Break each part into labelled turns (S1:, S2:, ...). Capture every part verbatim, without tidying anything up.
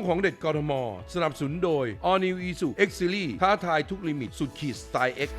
S1: ของเด็ดกทมสนับสนุนโดย All New Isuzu X Series ท้าทายทุกลิมิตสุดขีดสไตล์ X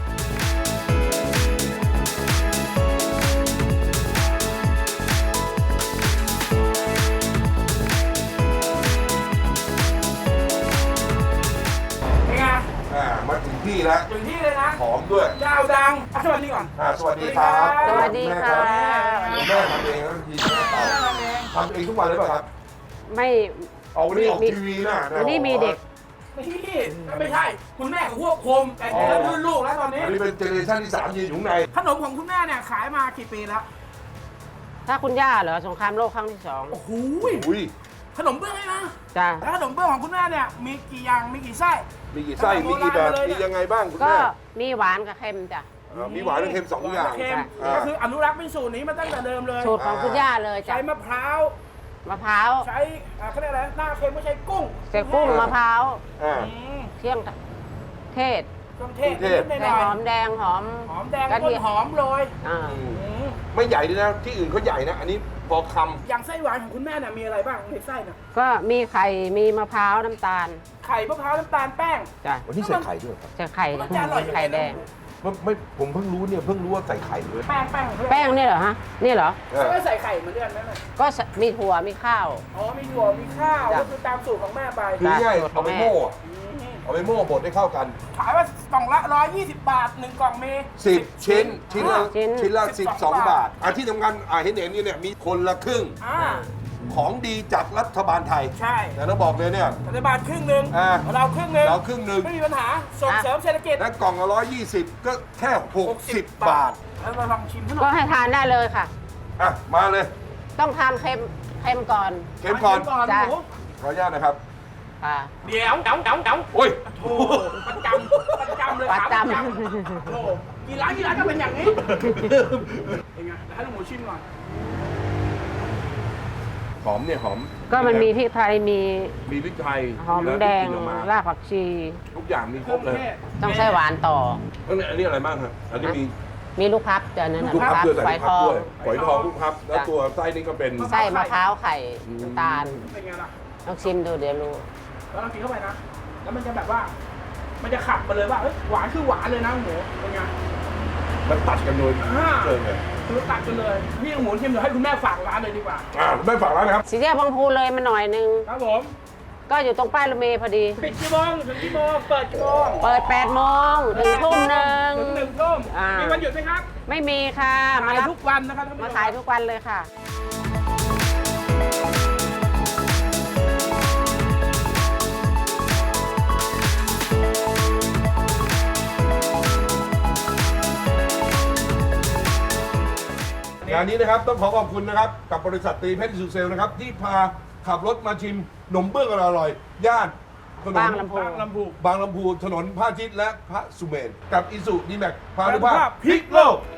S2: มาถึงที่แล้ว
S3: ถึงที่เลยนะ
S2: หอมด้วย
S3: ดาวดังสวัสดีก่อน
S2: สวัสดีครับ
S4: สวัสดีค่ะ
S2: แม่ทำเองแล้วทีแม่ทำเองทุกวันเลยป่ะครับ
S4: ไม่
S2: เอาวันนี้ออกทีวีนะ
S4: วันนี้มีเด็ก
S3: ไม่ไม่ใช่คุณแม่เขาควบคุมแต่เรื่องรุ่นลูกแล้วตอนนี้
S2: อันนี้เป็นเจเนอเรชั่นที่สามยืนอยู่ใน
S3: ขนมของคุณแม่เนี่ยขายมากี่ปีแล้ว
S4: ถ้าคุณย่าเหรอสงครามโลกครั้งที่สอง
S3: โอ้โห
S2: อุ้ย
S3: ขนมเบื้องเลยนะ
S4: จ้ะ
S3: แล้วขนมเบื้องของคุณแม่เนี่ยมีกี่อย่างมีกี่ไส้
S2: มีกี่ไส้มีกี่แบบมียังไงบ้างคุณ
S4: ก็
S2: แม่
S4: มีหวานกับเค็มจ้ะ
S2: มีหวานและเค็มสองอย่าง
S3: เค็มก็คืออนุรักษ์เป็นสูตรนี้มาตั้งแต่เดิมเลย
S4: สูตรของคุณย่าเลยจ้ะ
S3: ใช้มะพร้าว
S4: มะพร้าว
S3: ใช้เขาเรียกอะไรหน้าเค็มไม่ใช่กุ้ง
S4: ใส่กุ้งมะพร้าว
S2: อ่า
S4: เที่ยงเทศ
S3: เครื่องเทศนิดห
S4: ใส่
S3: น่อย
S4: หอมแดงหอม
S3: หอมแดง
S4: กระ
S3: ต้
S4: เที
S3: น
S4: ยม
S3: หอมโรย
S4: อ่า
S2: ไม่ใหญ่ด้วยนะที่อื่นเขาใหญ่นะ อันนี้พอคำ
S3: อย่างไส้หวานของคุณแม่เนี่ยมีอะไรบ้างในไส้เนี่ย
S4: ก็มีไข่มีมะพร้าวน้ำตาล
S3: ไข่มะพร้าวน้ำตาลแป้ง
S4: จ้ะ
S2: วันนี้ใส่ไข่ด้วยครับ
S4: จะไข่
S3: มันจะอร่อย
S4: ไข่แดง
S2: ไม่ไม่ผมเพิ่งรู้เนี่ยเพิ่งรู้ว่าใส่ไข่ด้วย
S3: แป้งแป้งของเพื่อน
S4: แป้งนี่เหรอฮะนี่เหรอ
S3: เขาไม่ใส่ไข่เหมือนเดิมไหมแม่
S4: ก็มีถั่วมีข้าว
S3: อ๋อมีถั่วมีข้าว
S4: จ้ะ
S3: ก็คือตามสูตรของแม่ไป
S2: คือง่าย
S4: สูตรข
S2: เอา
S4: อง
S2: ไป
S4: แม่
S2: โม่อะเอาไปโม่บดให้เข้ากัน
S3: ขายว่ากล่องละร้อยยี่สิบบาทหนึ่งกล่องมี
S2: สิบชิ้นชิ้นละ
S4: ชิ้น
S2: ชิ้นละ
S3: สิ
S2: สิ
S3: บบ ส
S2: ส
S3: อ
S2: อง ง
S3: บา
S2: บา
S3: ท
S2: ทอ่ะที่สำคัญอ่ะเห็นเห็นนี่เนี่ยมีคนละครึ่ง
S3: อ่า
S2: ของดีจากรัฐบาลไทย
S3: ใช่
S2: แต่เราบอกเลยเนี่ย
S3: รัฐบาลครึ่งหนึ่ง
S2: อ่า
S3: เราครึ่งหนึ่ง
S2: เราครึ่งหนึ่ง
S3: ไม่มีปัญหาส่งเสริมเศรษฐกิจ
S2: และกล่องละร้อยยี่สิบก็แค่หกสิบบาท
S3: แล้วเราลองชิมขนม
S4: ก็ให้ทานได้เลยค่ะ
S2: อ่ะมาเลย
S4: ต้องทานเค็มเค็มก่อน
S2: เข็มก่อน
S3: ก่อน
S4: จ้ะ
S3: หมู
S2: ขออนุญาตนะครับ
S4: ค่ะ
S3: เดี๋ยวเดี๋ยวเดี๋ยวเดี๋ยว
S2: โอ้ย
S3: โอ้ประจำประจำเลย
S4: ประจำ
S3: ถามโอ้กี่ร้านกี่ร้านก็เป็นอย่างนี้เป็นไงเดี๋ยวให้ลูกหมูชิมก่อน
S2: หอมเนี่ยหอม
S4: ก็มันมีพริกไทยมี
S2: มีพริกไทย
S4: หอมแดง
S2: ล้วที่กินออกมาร
S4: ากผักชี
S2: ทุกอย่างมีครบเลย
S4: ต้องใช้หวานต่อ
S2: อันนี้อันนี้อะไรบ้างครับอันนี้มี
S4: มีลูกพับจ้ะนั่นน่ะ
S2: ลูกพับด้วยใส่
S4: ฝอย
S2: ลูก
S4: ท
S2: พับ
S4: อง
S2: ด้วยฝอยทองลูกพับแล้ว
S4: จ้ะ
S2: ตัวไส้นี่ก็เป็น
S4: ไส้มะพร้าวไข่น้ำตาล
S3: เป็นไงล่ะ
S4: ลองชิมดูเดี๋ยวรู้
S3: แล้วเรากินเข้าไปนะ แล้วมันจะแบบว่า มันจะขับมาเลยว่าเอ้ยหวานคือหวานเลยนะหมูเป็นไง
S2: มันตัดกันโดย
S3: อ่า
S2: เกินเลย
S3: คือตัดกันเลยพี่หมูชิมเดี๋ยวให้คุณแม่ฝากร้านเลยดีกว่า
S2: อ่าไม่ฝากร้านนะครับ
S4: สีแยกบางพูเลยมาหน่อยนึง
S3: ครับผม
S4: ก็อยู่ตรงป้ายรถเมล์พอดี
S3: ปิดกี่โมงถึงกี่โมงเปิดกี่โมง
S4: เปิดแปดโมงถึงทุ่มหนึ่ง
S3: ถึงหนึ่งทุ่ม
S4: อ่ามี
S3: มีวันหยุดไหมครับ
S4: ไม่มีค่ะ มา
S3: ขาย
S4: รับ
S3: ทุกวันนะครับท่านผู้ช
S4: มาขายทุกวันเลยค่ะ
S2: งานนี้นะครับต้องขอขอบคุณนะครับกับบริษัทตรีเพชรอิสุเซลนะครับที่พาขับรถมาชิมหนมเบื้องอร่อยๆย่านถนน
S4: บางลำพู
S3: บางลำพู
S2: บางลำพูถนนพระอาทิตย์และพระสุเมนกับอิสุดีแม็กพานุภา
S3: พานุภา
S2: พ
S3: พ
S2: พลิกโลก